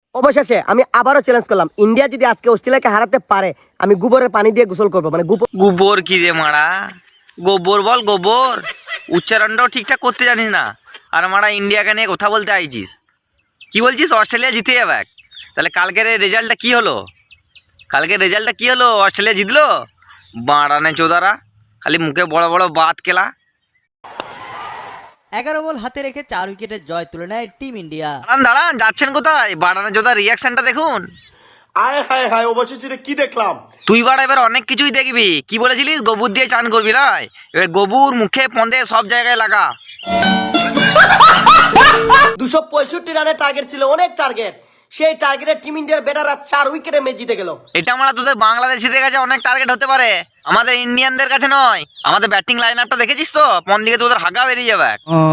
অবশেষে আমি আবারও চ্যালেঞ্জ করলাম, ইন্ডিয়া যদি আজকে অস্ট্রেলিয়াকে হারাতে পারে আমি গোবরের পানি দিয়ে গোসল করবো। মানে গোবর কি রে মারা, গোবর বল গোবর, উচ্চারণটাও ঠিকঠাক করতে জানিস না। আর মারা ইন্ডিয়াকে নিয়ে কথা বলতে আইছিস, কি বলছিস অস্ট্রেলিয়া জিতে যাবে? তাহলে কালকের রেজাল্টটা কি হলো? অস্ট্রেলিয়া জিতলো? বাড়ানে চোদারা, খালি মুখে বড় বড় বাত কেলা। 11 বল হাতে রেখে 4 উইকেটের জয় তুলে নেয় টিম ইন্ডিয়া। দাঁড়ান যাচ্ছেন কোথায়? বাড়ানে চোদার রিয়াকশনটা দেখুন। আয় হায় হায়, অবশেষে কি দেখলাম। তুই বাড়া এবার অনেক কিছুই দেখবি। কি বলেছিলিস? গোবর দিয়ে চান করবি না? এবার গোবর মুখে পন্দে সব জায়গায় লাগা। 265 রানের টার্গেট ছিল, অনেক টার্গেট। সেই টার্গেটে টিম ইন্ডিয়ার ব্যাটাররা 4 উইকেটে ম্যাচ জিতে গেল। এটা আমরা তোদের বাংলাদেশিদের কাছে অনেক টার্গেট হতে পারে, আমাদের ইন্ডিয়ানদের কাছে নয়। আমাদের ব্যাটিং লাইন আপটা দেখেছিস তো? পন দিকে তোদের হাগা বেরিয়ে যাবে।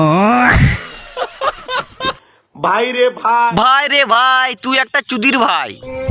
ভাই রে ভাই, ভাই রে ভাই, তুই একটা চুদির ভাই।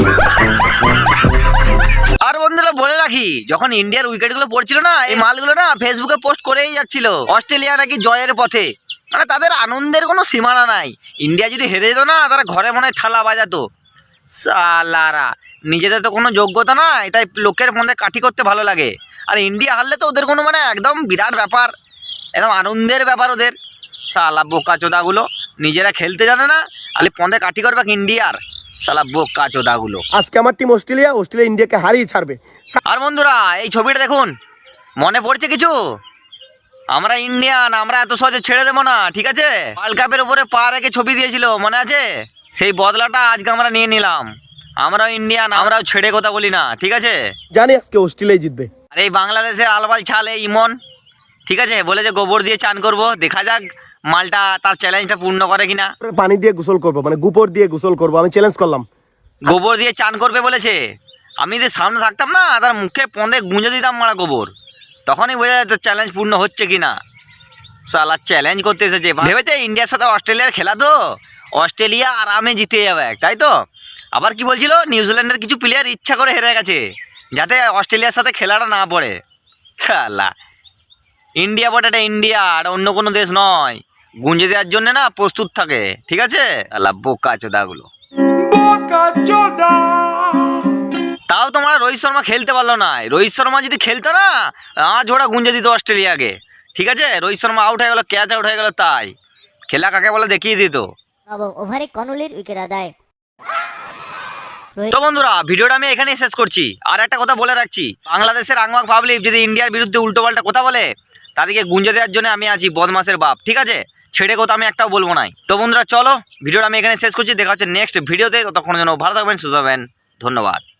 আর বন্ধুরা বলে রাখি, যখন ইন্ডিয়ার উইকেট গুলো পড়ছিল না, এই মালগুলো না ফেসবুকে পোস্ট করেই যাচ্ছিল অস্ট্রেলিয়া নাকি জয়ের পথে। মানে তাদের আনন্দের কোনো সীমানা নাই। ইন্ডিয়া যদি হেরে যেত না, তারা ঘরে মনে হয় থালা বাজাতো। সালারা, নিজেদের তো কোনো যোগ্যতা নাই, তাই লোকের মধ্যে কাঠি করতে ভালো লাগে। আর ইন্ডিয়া হারলে তো ওদের কোনো মানে একদম বিরাট ব্যাপার, একদম আনন্দের ব্যাপার ওদের। সালা বোকা চোদাগুলো, নিজেরা খেলতে জানে না, খালি পন্দে কাঠি করবে ইন্ডিয়ার। সালা বোকা চোদাগুলো। আজকে আমার টিম অস্ট্রেলিয়া ইন্ডিয়াকে হারিয়ে ছাড়বে। আর বন্ধুরা এই ছবিটা দেখুন, মনে পড়ছে কিছু? আমরা ইন্ডিয়ান, আমরা এত সহজে ছেড়ে দেবো না, ঠিক আছে? ওয়ার্ল্ড কাপের উপরে পা রেখে ছবি দিয়েছিল, মনে আছে? সেই বদলাটা আজকে আমরা নিয়ে নিলাম। আমরাও ইন্ডিয়ান, আমরাও ছেড়ে কথা বলি না, ঠিক আছে? জানি আজকে অস্ট্রেলিয়া জিতবে। আর এই বাংলাদেশের আলবাল ছালে ইমন, ঠিক আছে, বলে যে গোবর দিয়ে চান করব। দেখা যাক মালটা তার চ্যালেঞ্জটা পূর্ণ করে কিনা। পানি দিয়ে গোসল করবো, মানে গোবর দিয়ে গোসল করবো, আমি চ্যালেঞ্জ করলাম। গোবর দিয়ে চান করবে বলেছে। আমি যদি সামনে থাকতাম না, তার মুখে পন্দে গুঁজে দিতাম মারা গোবর, তখনই বোঝা যেত চ্যালেঞ্জ পূর্ণ হচ্ছে কিনা। সালা চ্যালেঞ্জ করতে এসেছে, ভেবেছে ইন্ডিয়ার সাথে অস্ট্রেলিয়ার খেলা তো অস্ট্রেলিয়া আরামে জিতে যাবে, তাই তো? আবার কি বলছিল, নিউজিল্যান্ডের কিছু প্লেয়ার ইচ্ছা করে হেরে গেছে যাতে অস্ট্রেলিয়ার সাথে খেলাটা না পড়ে। সালা ইন্ডিয়া বটাটা ইন্ডিয়া, আর অন্য কোনো দেশ নয়। গুঁজে দেওয়ার জন্য না প্রস্তুত থাকে, ঠিক আছে? আল্লাহ বোকা চোদাগুলো। তাও তোমার রোহিত শর্মা খেলতে পারলো না। রোহিত শর্মা যদি খেলতো না, আজ ওরা গুঁজে দিত অস্ট্রেলিয়াকে, ঠিক আছে? রোহিত শর্মা আউট হয়ে গেল, ক্যাচ আউট হয়ে গেল, তাই খেলা কাকে বলে দেখিয়ে দিত। ওভারে কনুলির উইকেট আদায়। তো বন্ধুরা ভিডিওটা আমি এখানেই শেষ করছি। আর একটা কথা বলে রাখছি, বাংলাদেশের আংমাক পাবলিক যদি ইন্ডিয়ার বিরুদ্ধে উল্টোপাল্টা কথা বলে, তাদেরকে গুঁজে দেওয়ার জন্য আমি আছি, বদমাসের বাপ, ঠিক আছে? ছেড়ে কথা আমি একটাও বলবো নাই। তো বন্ধুরা চলো, ভিডিওটা আমি এখানে শেষ করছি। দেখা হচ্ছে নেক্সট ভিডিওতে। ততক্ষণের জন্য ভালো থাকবেন, সুস্থ থাকবেন, ধন্যবাদ।